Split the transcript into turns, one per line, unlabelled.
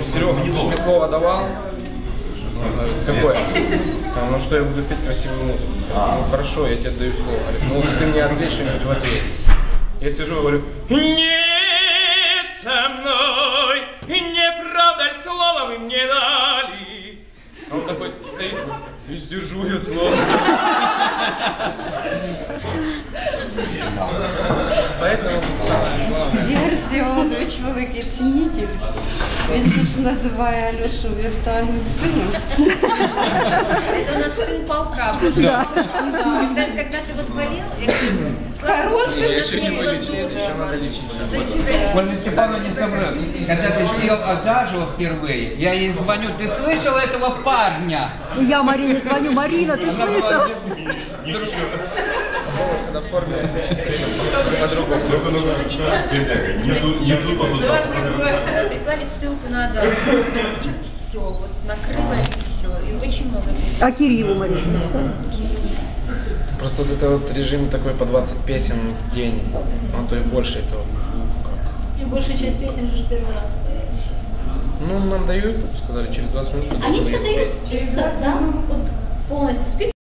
Серега, ты же мне слово давал. Он говорит, какое? Ну что я буду петь красивую музыку. Ну хорошо, я тебе даю слово. Говорит, ну ты мне ответь что-нибудь в ответ. Я сижу и говорю, нет со мной, не правда ли слово вы мне дали? А он такой стоит, и сдержу я слово. Поэтому самое главное.
Ігор Всеволодович великий цінитель. Він ж називає Альошу віртуальним сином.
Это у нас сын полка. Когда ты вот болел, я говорю,
Хороший.
Я еще не вылечился, еще надо лечиться.
Ольга Степановна не соврет. Когда ты пел Адажио впервые, я ей звоню, ты слышала этого парня?
И я Марине звоню, Марина, ты слышала?
Голос, когда в форме звучит совсем по-другому.
прислали ссылку на Адажио. И все, вот накрыло и все. И очень много людей.
А Кириллу Марина написала?
Просто вот это вот режим такой по 20 песен в день, а то и больше этого.
И большая часть песен же первый раз.
Ну, нам дают, сказали, через 20 минут.
Они тебе дают список, да? Вот полностью список.